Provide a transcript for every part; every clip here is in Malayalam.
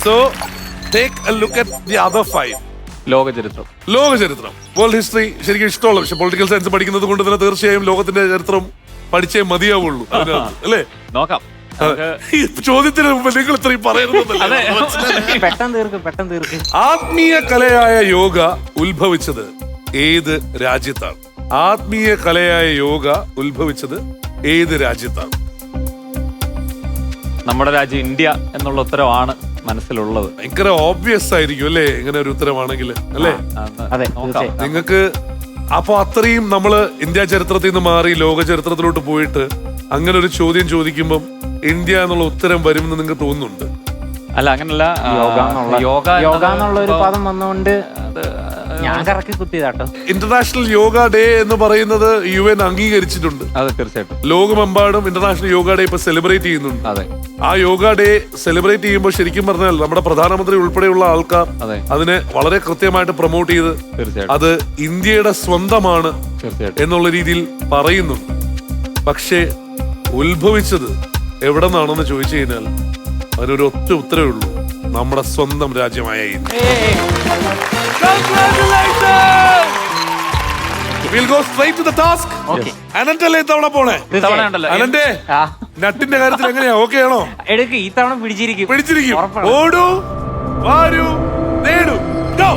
So take a look at the other 5. ലോക ചരിത്രം, വേൾഡ് ഹിസ്റ്ററി ശരിക്കും ഇഷ്ടമുള്ള പക്ഷെ പൊളിറ്റിക്കൽ സയൻസ് പഠിക്കുന്നത് കൊണ്ട് തന്നെ തീർച്ചയായും ലോകത്തിന്റെ ചരിത്രം പഠിച്ചേ മതിയാവുള്ളൂ അല്ലേ? നോക്കാം. ഈ ചോദ്യത്തിന് മുമ്പ് നിങ്ങൾ ഇത്രയും പറയുന്നത് പെട്ടെന്ന് തീർക്ക്. ആത്മീയ കലയായ യോഗ ഉത്ഭവിച്ചത് ഏത് രാജ്യത്താണ്? ആത്മീയ കലയായ യോഗ ഉത്ഭവിച്ചത് ഏത് രാജ്യത്താണ്? നമ്മുടെ രാജ്യം ഇന്ത്യ എന്നുള്ള ഉത്തരവാണ് മനസ്സിലുള്ളത്. ഭയങ്കര ഓബ്വിയസ് ആയിരിക്കും അല്ലേ ഇങ്ങനെ ഒരു ഉത്തരവാണെങ്കിൽ അല്ലേ? അതെ, നോക്കാം. നിങ്ങൾക്ക് അപ്പൊ അത്രയും നമ്മള് ഇന്ത്യ ചരിത്രത്തിൽ നിന്ന് മാറി ലോക ചരിത്രത്തിലോട്ട് പോയിട്ട് അങ്ങനെ ഒരു ചോദ്യം ചോദിക്കുമ്പം ഇന്ത്യ എന്നുള്ള ഉത്തരം വരുമെന്ന് നിങ്ങൾക്ക് തോന്നുന്നുണ്ട്? അല്ല, അങ്ങനല്ല. യോഗ എന്നുള്ള ഒരു പദം വന്നുകൊണ്ട് ഞാൻ കറക്കി കുത്തിയതാട്ടോ. ഇന്റർനാഷണൽ യോഗ ഡേ എന്ന് പറയുന്നത് UN അംഗീകരിച്ചിട്ടുണ്ട്. അതെ, തീർച്ചയായിട്ടും. ലോകമെമ്പാടും ഇന്റർനാഷണൽ യോഗ ഡേ ഇപ്പൊ സെലിബ്രേറ്റ് ചെയ്യുന്നുണ്ട്. അതെ. ആ യോഗ ഡേ സെലിബ്രേറ്റ് ചെയ്യുമ്പോൾ ശരിക്കും പറഞ്ഞാൽ നമ്മുടെ പ്രധാനമന്ത്രി ഉൾപ്പെടെയുള്ള ആൾക്കാർ അതെ, അതിനെ വളരെ കൃത്യമായിട്ട് പ്രൊമോട്ട് ചെയ്ത് തീർച്ചയായിട്ടും അത് ഇന്ത്യയുടെ സ്വന്തമാണ് തീർച്ചയായിട്ടും എന്നുള്ള രീതിയിൽ പറയുന്നുണ്ട്. പക്ഷേ ഉത്ഭവിച്ചത് എവിടെ നിന്നാണെന്ന് ചോദിച്ചു കഴിഞ്ഞാൽ അതിനൊരു ഒറ്റ ഉത്തരവേ ഉള്ളൂ, നമ്മുടെ സ്വന്തം രാജ്യമായ India. We'll go straight to the task. അനന്തല്ലേ ഇത്തവണ പോണേ? അനന്തേ, നട്ടിന്റെ കാര്യത്തിൽ എങ്ങനെയാ? ഓക്കെ ആണോ? എടുക്ക്, ഈ തവണ പിടിച്ചിരിക്കും. ഓടൂ, വാരൂ, നേടൂ. Go.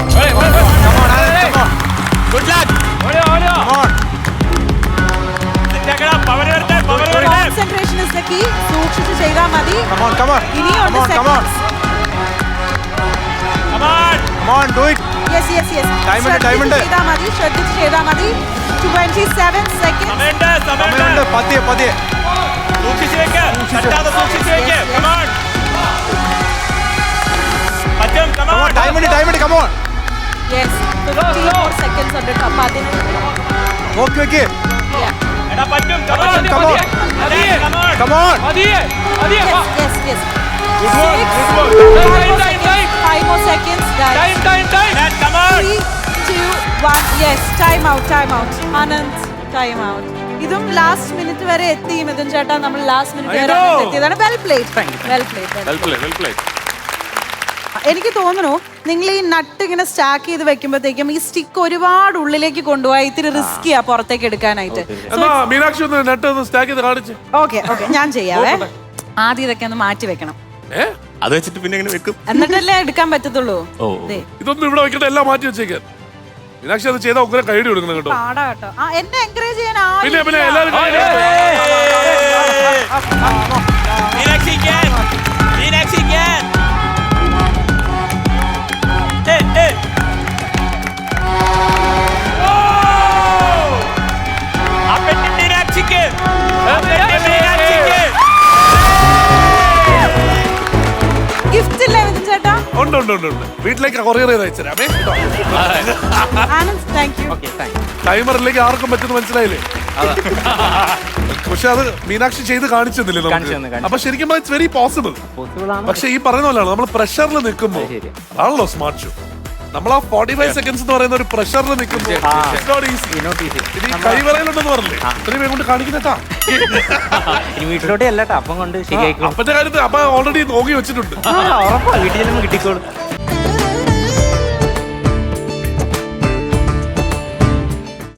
Good luck. Concentration is the key. സൂക്ഷിച്ച് ചെയ്താൽ മതി. Come on. ഇനിയുണ്ട് seconds. Come on, do it. Yes. Time ഉണ്ട്. ശ്രദ്ധിച്ച് ചെയ്താൽ മതി. 27 seconds. സമയമുണ്ട്. പതിയെ. Come on, time ഉണ്ട്. Come on. Yes. 15 more seconds ഉണ്ട്. അപ്പൊ അതിന് Okay. yeah. Come on. Yes. Five more seconds, guys. Time. 3, 2, 1. Yes, time out. Anand, time out. ഇതും ലാസ്റ്റ് മിനിറ്റ് വരെ എത്തി. മിഥുൻ ചേട്ടാ, നമ്മൾ ലാസ്റ്റ് മിനിറ്റ് വരെ എത്തിയതാണ്. Well played. എനിക്ക് തോന്നുന്നു നിങ്ങൾ ഈ നട്ട് ഇങ്ങനെ സ്റ്റാക്ക് ചെയ്ത് വെക്കുമ്പോഴത്തേക്കും ഈ സ്റ്റിക്ക് ഒരുപാട് ഉള്ളിലേക്ക് കൊണ്ടുപോയി ഇത്തിരി റിസ്കിയാ പുറത്തേക്ക് എടുക്കാനായിട്ട്. മീനാക്ഷി ഒന്ന് നട്ട് ഒന്ന് സ്റ്റാക്ക് ചെയ്ത് കാണിച്ച്. ഓക്കെ, ഞാൻ ചെയ്യാവേ. ആദ്യം ഇതൊക്കെ ഒന്ന് മാറ്റി വെക്കണം, അത് വെച്ചിട്ട് പിന്നെ എങ്ങനെ വെക്കും? എന്നിട്ടല്ലേ എടുക്കാൻ പറ്റത്തുള്ളൂ. ഇതൊന്നും ഇവിടെ വെക്കട്ടെ, എല്ലാം മാറ്റി വെച്ചേക്കാൻ. മീനാക്ഷി അത് ചെയ്താൽ ഉഗ്ര കൈഡി കൊടുക്കണം കേട്ടോ. പാടാ കേട്ടോ. എന്നെ എൻകറേജ് ചെയ്യാൻ പിന്നെ എല്ലാവരും ഗിഫ്റ്റ് ഇല്ലേ മിഥുൻ ചേട്ടാ? ഉണ്ട്. വീട്ടിലേക്ക് കൊറിയർ ചെയ്ത് അയച്ചുതരാമേ. Anand, thank you. ടൈമറിലേക്ക് ആർക്കും പറ്റുന്ന മനസ്സിലായില്ലേ? പക്ഷെ അത് മീനാക്ഷി ചെയ്ത് കാണിച്ചെന്നില്ലേ നമുക്ക്? അപ്പൊ ശരിക്കും ഇറ്റ്സ് വെരി പോസിബിൾ. പക്ഷെ ഈ പറയുന്ന പോലെയാണ് നമ്മൾ പ്രഷറിൽ നിൽക്കുമ്പോൾ ആണല്ലോ സ്മാർട്ട് ഷോ. നമ്മൾ ആ 45 സെക്കൻഡ്സ് എന്ന് പറയുന്ന ഒരു പ്രഷറിൽ നിൽക്കുമ്പോൾ കൈവറയിലുണ്ടെന്ന് പറഞ്ഞില്ലേ? ഇത്രയും വേഗം കൊണ്ട് കാണിക്കുന്നേട്ടാ. വീട്ടിലോട്ട് അല്ലട്ടോ, അപ്പം കൊണ്ട് ശരിയായിക്കോളും. അപ്പത്തെ കാര്യത്തിൽ അപ്പൊ ഓൾറെഡി നോക്കി വെച്ചിട്ടുണ്ട്. ഉറപ്പാ, വീട്ടിൽ കിട്ടിക്കോളും.